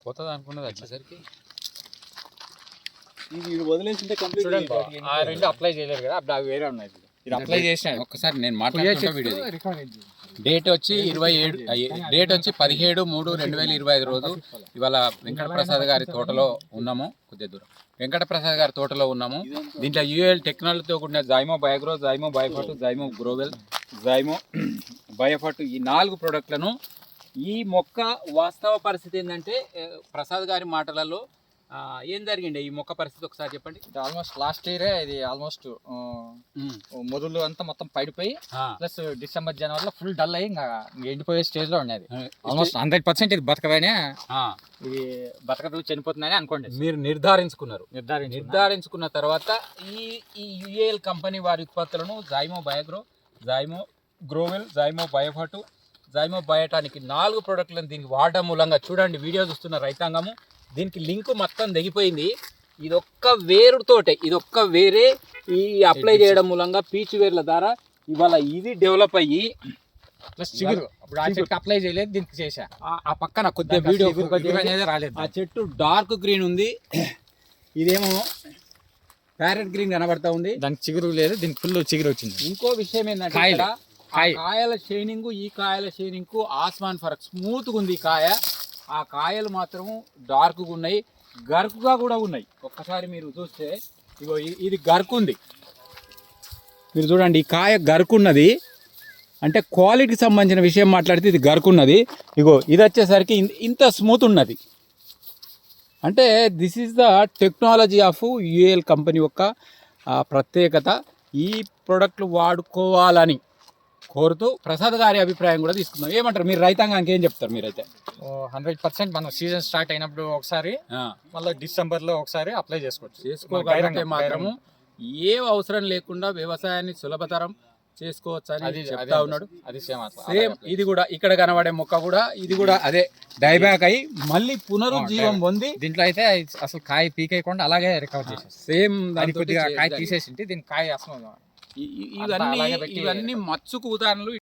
పోతుంది అనుకున్నది వచ్చేసరికి ఇది వదిలేసింటే కంప్లీట్ చూడండి ఆ రెండు అప్లై చేయలేరు కదా, అప్పుడు అవి వేరే ఉన్నాయి. ఇది అప్లై చేసినాడు. ఒక్కసారి నేను మాట్లాడుతున్నా వీడియో డేట్ వచ్చి 27 డేట్ వచ్చి 17/3/2025 రోజు. ఇవాళ వెంకటప్రసాద్ గారి తోటలో ఉన్నాము, కొద్దిగా దూరం వెంకటప్రసాద్ గారి తోటలో ఉన్నాము. దీంట్లో యూఎల్ టెక్నాలజీతో కూడిన జైమో బయోగ్రో, జైమో బయోఫర్ట్, జైమో గ్రోవెల్, జైమో బయోఫర్ట్ ఈ 4 ప్రోడక్ట్లను ఈ మొక్క వాస్తవ పరిస్థితి ఏంటంటే ప్రసాద్ గారి మాటలలో ఏం జరిగిండే ఈ మొక్క పరిస్థితి ఒకసారి చెప్పండి. ఆల్మోస్ట్ లాస్ట్ ఇయరే ఇది ఆల్మోస్ట్ మొదలు అంతా మొత్తం పడిపోయి ప్లస్ డిసెంబర్ జనవరిలో ఫుల్ డల్ అయ్యి ఇంకా ఎండిపోయే స్టేజ్ లో ఉండేది. ఆల్మోస్ట్ 100% ఇది బతకవేనే, ఇది బతకదు చనిపోతుందని అనుకోండి. మీరు నిర్ధారించుకున్న తర్వాత ఈ యుఏఎల్ కంపెనీ వారి ఉత్పత్తులను జైమో బయోగ్రో, జైమో గ్రోవెల్, జైమో బయోఫర్ట్, జైమో బయోటానికి 4 ప్రోడక్ట్లను దీనికి వాడడం మూలంగా చూడండి వీడియో చూస్తున్న రైతాంగము దీనికి లింక్ మొత్తం తెగిపోయింది. ఇదొక్క వేరుతోటే ఇదొక్క వేరే ఈ అప్లై చేయడం మూలంగా పీచు వేర్ల ద్వారా ఇవాళ ఇది డెవలప్ అయ్యి ప్లస్ చిగురు ఇప్పుడు ఆ చెట్టు అప్లై చేయలేదు, దీనికి చేసా. ఆ పక్కన కొద్దిగా వీడియో అనేది రాలేదు. ఆ చెట్టు డార్క్ గ్రీన్ ఉంది, ఇదేమో ప్యారెట్ గ్రీన్ కనబడతా ఉంది, దానికి చిగురు లేదు, దీనికి ఫుల్ చిగురు వచ్చింది. ఇంకో విషయం ఏంటంటే కాయల షైనింగ్ ఈ కాయల షైనింగ్ ఆస్మాన్ ఫరక్ స్మూత్గా ఉంది ఈ కాయ. ఆ కాయలు మాత్రం డార్క్గా ఉన్నాయి, గరుకుగా కూడా ఉన్నాయి. ఒక్కసారి మీరు చూస్తే ఇగో ఇది గరుకు ఉంది, మీరు చూడండి ఈ కాయ గరుకున్నది. అంటే క్వాలిటీకి సంబంధించిన విషయం మాట్లాడితే ఇది గరుకున్నది. ఇగో ఇది వచ్చేసరికి ఇంత స్మూత్ ఉన్నది. అంటే this is the technology of UAL company యొక్క ప్రత్యేకత. ఈ ప్రోడక్ట్లు వాడుకోవాలని కోరుతూ ప్రసాద్ గారి అభిప్రాయం కూడా తీసుకుందాం. ఏమంటారు మీరు రైతాంగానికి ఏం చెప్తారు? మీరైతే 100% మనం సీజన్ స్టార్ట్ అయినప్పుడు ఒకసారి, మళ్ళీ డిసెంబర్లో ఒకసారి అప్లై చేసుకోగలిగితే మాత్రము ఏ అవసరం లేకుండా వ్యవసాయాన్ని సులభతరం చేసుకోవచ్చు అని చెప్తా ఉన్నాడు. అది సేమ్ ఇది కూడా ఇక్కడ కనబడే మొక్క కూడా ఇది కూడా అదే డైబ్యాక్ అయ్యి మళ్ళీ పునరుజ్జీవం పొంది దీంట్లో అయితే అసలు కాయ పీకేయకుండా అలాగే రికవర్ చేసేసి సేమ్ దాని కొద్దిగా కాయ తీసేసి దీని కాయ అసలు ఇవన్నీ మచ్చుకు ఉదాహరణలు.